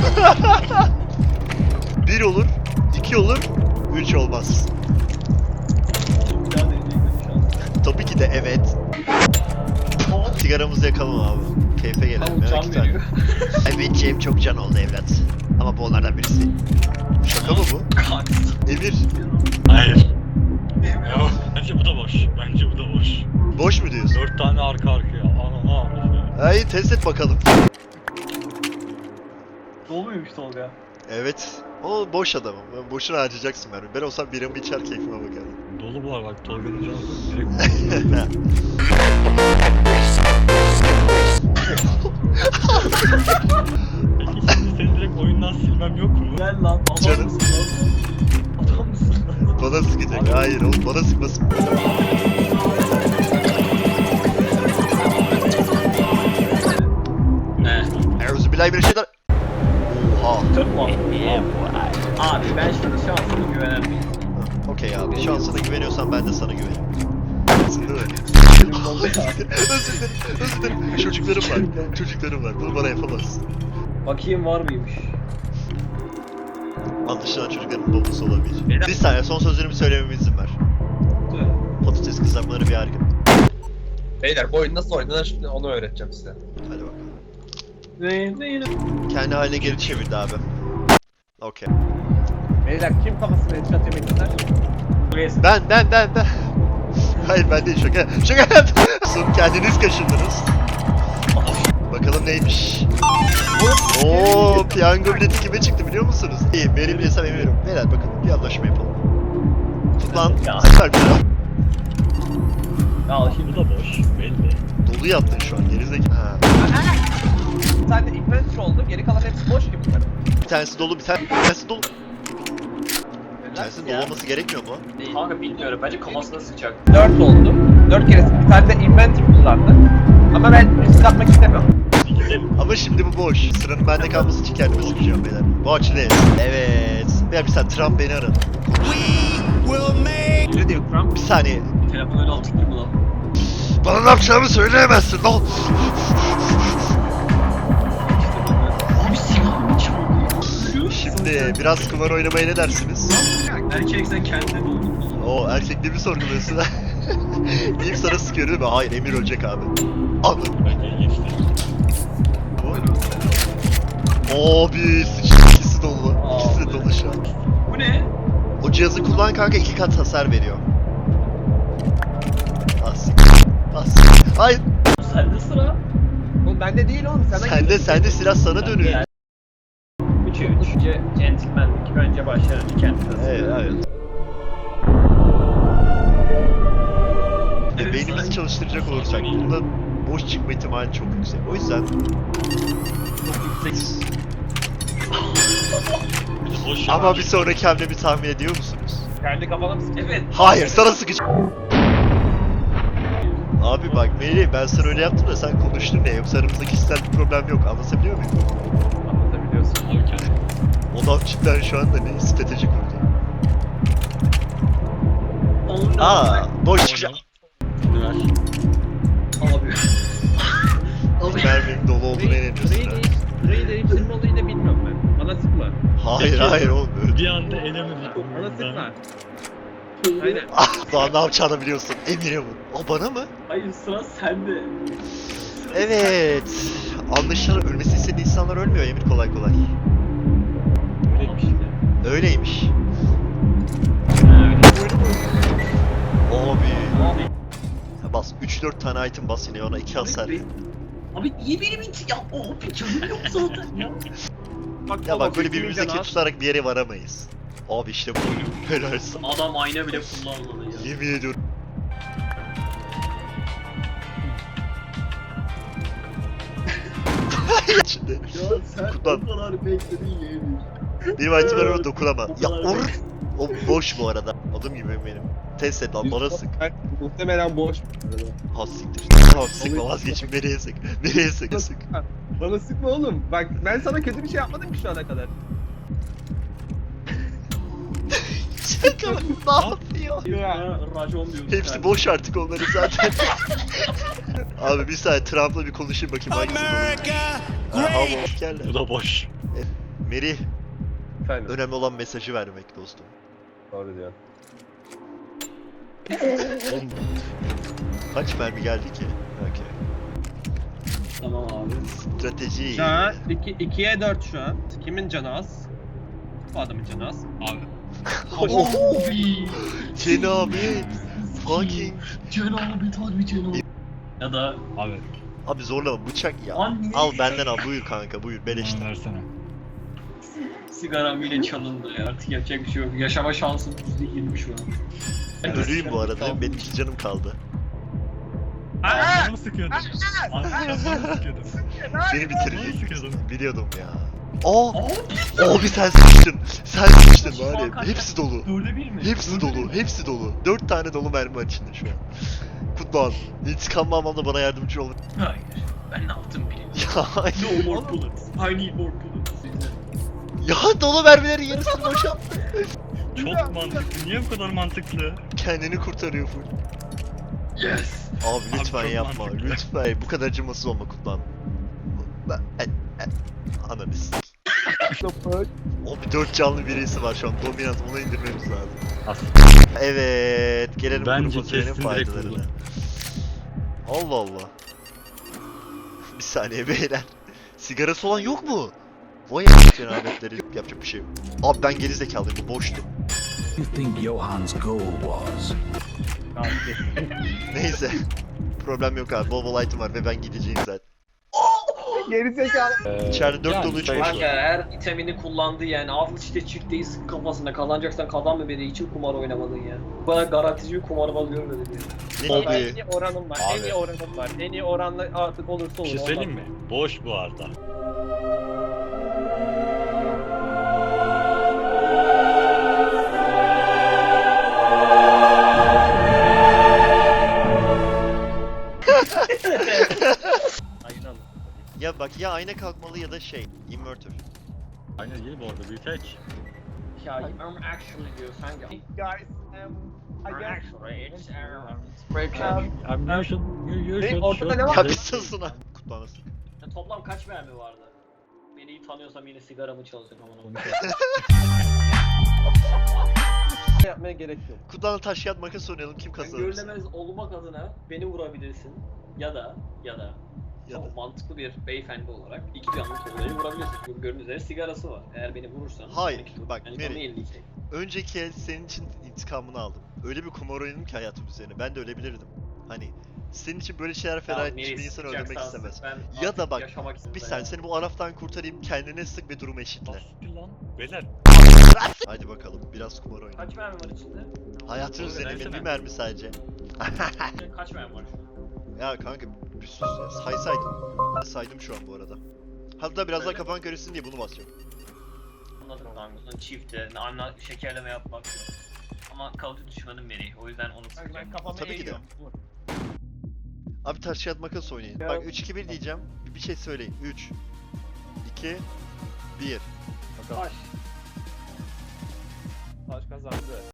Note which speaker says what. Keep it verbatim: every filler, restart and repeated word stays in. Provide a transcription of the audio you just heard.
Speaker 1: Bir olur, iki olur, üç olmaz. Tabii ki de evet. Sigaramızı yakalım abi. Keyfe gelelim ya iki tane. Evet Cem çok can oldu evlat. Ama bu onlardan birisi. Şaka mı bu? Emir.
Speaker 2: Hayır. Bence bu da boş. Bence bu da boş.
Speaker 1: Boş mu diyorsun?
Speaker 2: Dört tane arka arkaya. Anana avradı.
Speaker 1: Hayır test et bakalım.
Speaker 3: Dolu muymuş Tolga?
Speaker 1: Evet. O boş adamım. Ben boşuna harcayacaksın ben. Ben olsam biramı içer keyfime bakarım.
Speaker 2: Dolu bu var bak. Tolga'nın canı direkt. Peki şimdi seni direkt oyundan silmem yok mu?
Speaker 3: Gel lan. Adam
Speaker 1: Canım.
Speaker 3: mısın lan? Adam mısın lan?
Speaker 1: Bana sıkacak. Hayır oğlum bana sıkmasın.
Speaker 3: Ne?
Speaker 1: Euzubillahimineşşeytan. Oha.
Speaker 3: Tutma. Abi ben şimdi şansıma güvenen bir insanım.
Speaker 1: Okey abi. Şansına güveniyorsan ben de sana güvenirim. Değil mi?
Speaker 3: Benim oldu ya.
Speaker 1: Özür dilerim. Özür dilerim. Çocuklarım var. Çocuklarım var. Bunu bana yapamazsın.
Speaker 3: Bakayım var mıymış?
Speaker 1: Anlaşılan çocukların babası olabilir. Bir saniye son sözlerimi söylememe izin ver. Patates kızartmaları bir harika.
Speaker 4: Beyler bu oyun nasıl oynanır şimdi onu öğreteceğim size.
Speaker 1: Hadi bakalım.
Speaker 3: Ne? Ne?
Speaker 1: Kendi haline geri çevirdi abi. Okey.
Speaker 4: Beyler kim kafasına headshot yemek ister?
Speaker 3: Buraya
Speaker 1: Ben ben ben ben. Hayır ben değil şaka. Şaka yaptım. Son kendiniz kaşındınız. Bakalım neymiş. Oo, piyango bileti kime çıktı biliyor musunuz? İyi, benim hesap emiyorum. Beyler bakın bir anlaşma yapalım. Tut lan.
Speaker 3: Ya.
Speaker 1: Süper bir ya.
Speaker 3: Ya şimdi
Speaker 2: Bu da boş. Belli.
Speaker 1: Dolu yaptın şu an gerizekalı. Ha.
Speaker 4: Bir tane de inventory oldu, geri kalan hepsi boş gibi bunların.
Speaker 1: Bir tanesi dolu, bir tane- bir tanesi dolu. Bir tanesinin dolu olması gerekmiyor mu?
Speaker 3: kanka bilmiyorum. Bence kafasına sıçacak.
Speaker 4: Dört oldu. Dört kere bir tane de inventory kullandı. Ama ben risk atmak istemiyorum.
Speaker 2: Gidelim.
Speaker 1: Ama şimdi bu boş. Sıranın bende kalması için kendime sıkacağım beyler. Watch this. Evet. Ya bir saniye Trump beni aradı.
Speaker 4: Ne diyor Trump?
Speaker 1: Bir saniye.
Speaker 3: Telefon öyle altık gibi lan.
Speaker 1: Bana ne yapacağımı söyleyemezsin lan.
Speaker 3: Abi silahımı çaldı.
Speaker 1: Şimdi biraz kumar oynamaya ne dersiniz?
Speaker 3: Erkek sen kendine buldun.
Speaker 1: O erkekliğimi sorguluyorsun. İlk sana sıkıyor değil mi? Hayır Emir ölecek abi. Anladım.
Speaker 2: Ben de geçtim.
Speaker 1: Abi sıçtı ikisi dolu. İkisi de dolu şu an.
Speaker 3: Bu ne?
Speaker 1: O cihazı kullan kanka iki kat hasar veriyor. As. As. Hayır.
Speaker 3: Sende sıra.
Speaker 4: Oğlum bende değil oğlum. Sana
Speaker 1: Sende sende silah sana dönüyor.
Speaker 3: Üçe üç. Önce centilmenlik. Önce başlar. Önce kendisi.
Speaker 1: Evet evet. E, beynimizi çalıştıracak olursak burada boş çıkma ihtimali çok yüksek. O yüzden
Speaker 3: Çok yüksek.
Speaker 2: Bir de boş
Speaker 1: ama
Speaker 2: yapar.
Speaker 1: bir sonraki hamlemi tahmin ediyor musunuz?
Speaker 4: kendi kafana mı sıkıyorsun?
Speaker 3: Evet.
Speaker 1: Hayır sana sıkacağım. Abi bak Melih ben sana öyle yaptım da sen konuştun ya yoksa aramızda kişisel bir problem yok anlatabiliyor muyum?
Speaker 4: Anlatabiliyorsun.
Speaker 2: Abi kendi.
Speaker 1: O da cidden şu anda ne strateji kurdu.
Speaker 3: Onu
Speaker 1: Aa boş çıkacağım.
Speaker 2: Ver.
Speaker 3: Abi. Abi.
Speaker 1: Merminin dolu olduğuna inanıyorsun
Speaker 4: Burayı
Speaker 1: ha.
Speaker 4: değiş, burayı değiştirme olayı da bilmiyorum ben. Bana sıkma.
Speaker 1: Hayır
Speaker 2: Peki.
Speaker 1: hayır oğlum öyle.
Speaker 2: Bir anda elemedik.
Speaker 4: Bana sıkma. Aynen.
Speaker 1: Ah daha ne yapacağını biliyorsun Emir'e vur. O bana mı?
Speaker 3: Hayır sıra sende. Sıra
Speaker 1: Evet. Anlaşılan ölmesi istediği insanlar ölmüyor Emir kolay kolay.
Speaker 3: Öyleymiş işte.
Speaker 1: Öyleymiş. Abi.
Speaker 3: Abi.
Speaker 1: Ya bas üç dört tane item bas yine ona iki hasar.
Speaker 3: Abi, abi niye benim için ya? Abi canım yok zaten ya.
Speaker 1: Ya bak böyle birbirimize kin tutarak bir yere varamayız. Abi işte bu. Helal sana.
Speaker 3: Adam ayna bile kullanmadı ya.
Speaker 1: Yemin ediyorum. İçinde.
Speaker 3: Ya sen
Speaker 1: Kullan.
Speaker 3: o kadar bekledin yeğenim.
Speaker 1: Benim itemlerime dokunama.
Speaker 3: O
Speaker 1: Ya
Speaker 3: kadar
Speaker 1: or. O boş bu arada. Adım gibi benim. Test et lan bana sık.
Speaker 4: Muhtemelen boş.
Speaker 1: Ha siktir. Tamam sıkma vazgeçin. Nereye sık? Nereye sık? Sık.
Speaker 4: Bana sıkma oğlum. Bak ben sana kötü bir şey yapmadım ki şu ana kadar.
Speaker 1: Şaka bak ne yapıyor?
Speaker 3: Ya racon diyorsun.
Speaker 1: Hepsi boş artık onların zaten. Abi bir saniye Trump'la bir konuşayım bakayım hangisi doğru. Ha, al o askerler.
Speaker 2: Bu da boş.
Speaker 1: Merih,
Speaker 5: Efendim.
Speaker 1: önemli olan mesajı vermek dostum.
Speaker 5: Doğru diyor.
Speaker 1: Oğlum, kaç mermi geldi ki? Okey.
Speaker 3: Tamam abi.
Speaker 1: Strateji.
Speaker 5: Şu an ikiye dört şu an. Kimin canı az? Bu adamın canı az.
Speaker 2: Abi.
Speaker 1: Oh, Cenabet. Fucking.
Speaker 3: Cenabet harbi cenabet. Ya da
Speaker 2: Abi.
Speaker 1: Abi zorlama, bıçak ya.
Speaker 3: Anne.
Speaker 1: Al benden al, buyur kanka, buyur beleşten.
Speaker 2: Bana versene.
Speaker 3: sigaram yine çalındı ya. Artık yapacak bir şey yok. Yaşama şansım yüzde yirmi şu an.
Speaker 1: Ölüyüm bu arada, benim iki canım kaldı.
Speaker 2: Aa! Canımı sıkıyordum. Abi canımı sıkıyordum.
Speaker 1: Beni
Speaker 2: Canımı
Speaker 1: bitirecektin.
Speaker 2: sıkıyordum.
Speaker 1: Biliyordum ya. Aa! Abi sen sıkıştın. Sen sıkıştın var ya. Hepsi dolu.
Speaker 3: Dörde bir mi?
Speaker 1: Hepsi
Speaker 3: Dörde bir
Speaker 1: dolu.
Speaker 3: mi?
Speaker 1: Hepsi dolu. Dört tane dolu mermi var içinde şu an. Kutlan. İntikam almamda bana yardımcı olun.
Speaker 3: Hayır. Ben ne yaptım bilmiyorum.
Speaker 1: Ya,
Speaker 3: No more bullets. I need more bullets.
Speaker 1: ya dolu mermilerin yarısını boşalttı.
Speaker 2: Çok mantıklı. Niye bu kadar mantıklı?
Speaker 1: Kendini kurtarıyor full.
Speaker 3: Yes.
Speaker 1: Abi lütfen
Speaker 2: çok
Speaker 1: yapma.
Speaker 2: mantıklı.
Speaker 1: Lütfen. Bu kadar acımasız olma Kutlan. Ben... E, e, ananı s***. O bir dört canlı birisi var şu an. Dominant, onu indirmemiz lazım.
Speaker 2: Aslında.
Speaker 1: Evet. Gelelim
Speaker 2: Bence
Speaker 1: grup otelinin
Speaker 2: kesin direkt
Speaker 1: faydalarına.
Speaker 2: buldu.
Speaker 1: Allah Allah. Bir saniye beyler. Sigarası olan yok mu? Vay a**ın cenabetleri, yapacak bir şey yok. Abi ben geri zekalıyım, bu boştu.
Speaker 6: You think Johan's goal was?
Speaker 1: Neyse. Problem yok abi, bol bol item var ve ben gideceğim zaten.
Speaker 4: Geri zekalı.
Speaker 1: İçeride dört
Speaker 2: yani
Speaker 1: dolu üç
Speaker 2: işte-
Speaker 1: boş
Speaker 3: Kanka
Speaker 1: var.
Speaker 3: her itemini kullandı yani. Al işte çifteyi sık kafasında. Kazanacaksan kazanma beni için kumar oynamadın ya. Bu kadar garantici bir kumarbaz görmedim ya.
Speaker 1: Ne
Speaker 5: En
Speaker 1: gibi?
Speaker 5: iyi oranım var. En
Speaker 2: Abi.
Speaker 5: iyi oranım var. En iyi oranla artık olursa olur.
Speaker 2: Bir şey söyleyeyim mi? Boş bu arada.
Speaker 5: Aynen.
Speaker 1: Ya bak, ya ayna kalkmalı ya da şey, inverter.
Speaker 2: Aynen değil bu arada. Bir tek.
Speaker 3: Ya I'm actually diyor sen ya.
Speaker 4: Guys, um, I guess.
Speaker 3: Actually it's
Speaker 4: Um,
Speaker 2: I'm you should, you, you
Speaker 4: Ne?
Speaker 2: should,
Speaker 4: Ortada
Speaker 2: should-
Speaker 4: ne var?
Speaker 1: Ya bir susun ha. Kutlamasın.
Speaker 3: Ya toplam kaç mermi vardı? Beni iyi tanıyorsam yine sigaramı çalacak ama.
Speaker 5: Yapmaya gerek yok.
Speaker 1: Kutlanla taş kağıt makas oynayalım, kim
Speaker 3: Ben
Speaker 1: kazanır?
Speaker 3: görülemez olmak adına beni vurabilirsin. Ya da ya da
Speaker 1: Ya da.
Speaker 3: çok mantıklı bir beyefendi olarak iki canlı Tolga'yı vurabilirsin. Çünkü gördüğünüz üzere sigarası var. Eğer beni vurursan...
Speaker 1: Hayır,
Speaker 3: on iki tur,
Speaker 1: bak,
Speaker 3: yani
Speaker 1: Meri.
Speaker 3: canı elli iki.
Speaker 1: Önceki el senin için intikamını aldım. Öyle bir kumar oynadım ki hayatım üzerine. Ben de ölebilirdim. Hani senin için böyle şeyler feda
Speaker 3: Tamam,
Speaker 1: etmiş
Speaker 3: Meri
Speaker 1: bir insan
Speaker 3: sıkacaksan
Speaker 1: öldürmek
Speaker 3: sık,
Speaker 1: istemez.
Speaker 3: ben
Speaker 1: Ya
Speaker 3: artık
Speaker 1: da bak,
Speaker 3: yaşamak istiyorum
Speaker 1: Bir
Speaker 3: ya.
Speaker 1: saniye seni bu araftan kurtarayım, kendine sık ve durumu eşitle.
Speaker 2: Bastı lan. Beyler.
Speaker 1: Hadi bakalım, biraz kumar oynayalım.
Speaker 3: Kaç mermi var içinde?
Speaker 1: Hayatın
Speaker 2: Oğlum,
Speaker 1: üzerine
Speaker 2: versene.
Speaker 1: bir mermi sadece.
Speaker 3: Kaç mermi var şu an?
Speaker 1: Ya kanka bir sus ya, saysaydım. Ben saydım şu an bu arada. Hatta biraz daha
Speaker 3: Öyle.
Speaker 1: kafan karışsın diye bunu basacağım.
Speaker 3: Anladım kanka. Bunun çifte, anla şekerleme yapmak yok. Ama kalıcı düşmanım beni. O yüzden onu
Speaker 5: Kanka
Speaker 3: sıkacağım.
Speaker 5: ben kafamı
Speaker 1: Tabii ki de.
Speaker 5: eğiyorum. Vur.
Speaker 1: Abi taş kağıt makas oynayın.
Speaker 5: Ya.
Speaker 1: Bak üç iki bir diyeceğim. Bir şey söyleyin. üç iki bir
Speaker 5: Bakalım.
Speaker 3: Baş.
Speaker 5: Taş kazandı.